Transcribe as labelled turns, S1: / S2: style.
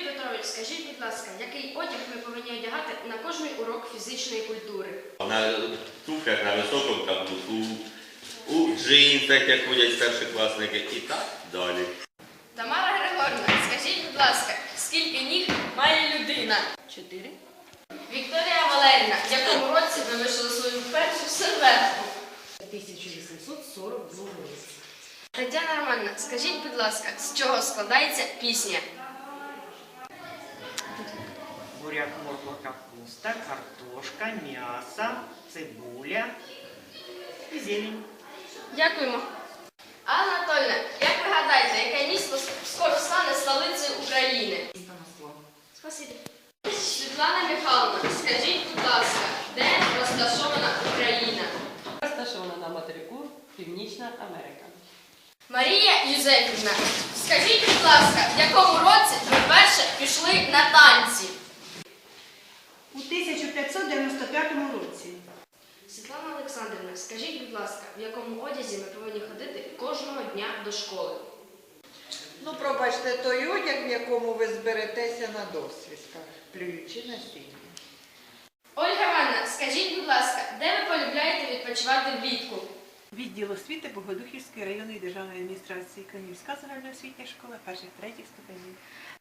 S1: Петрович, скажіть, будь ласка, який одяг ми повинні одягати на кожний урок фізичної культури?
S2: На туфлях на високому каблуку, у джинсах, як ходять старшокласники, і так далі.
S1: Тамара Григорівна, скажіть, будь ласка, скільки ніг має людина?
S3: 4.
S1: Вікторія Валерівна, в якому році ви вишили свою першу серветку?
S3: 1842 році.
S1: Тетяна Романівна, скажіть, будь ласка, з чого складається пісня?
S4: Буряк, морква, капуста, картошка, м'ясо, цибуля і зелень.
S1: Дякуємо. Анна Анатольевна, як ви гадаєте, яке місто скоро стане столицею України? Спасибі. Світлана Михайловна, скажіть, будь ласка, де розташована Україна?
S3: Розташована на материку Північна Америка.
S1: Марія Юзефівна, скажіть, будь ласка, в якому році ви вперше пішли на танці?
S5: У 1595 році.
S1: Світлана Олександрівна, скажіть, будь ласка, в якому одязі ми повинні ходити кожного дня до школи?
S6: Ну, пробачте, той одяг, в якому ви зберетеся на досвідках, плюючи на сіні.
S1: Ольга Івановна, скажіть, будь ласка, де ви полюбляєте відпочивати влітку?
S5: Відділ освіти Богодухівської районної державної адміністрації, Канівська загальноосвітня школа перших-третіх ступенів.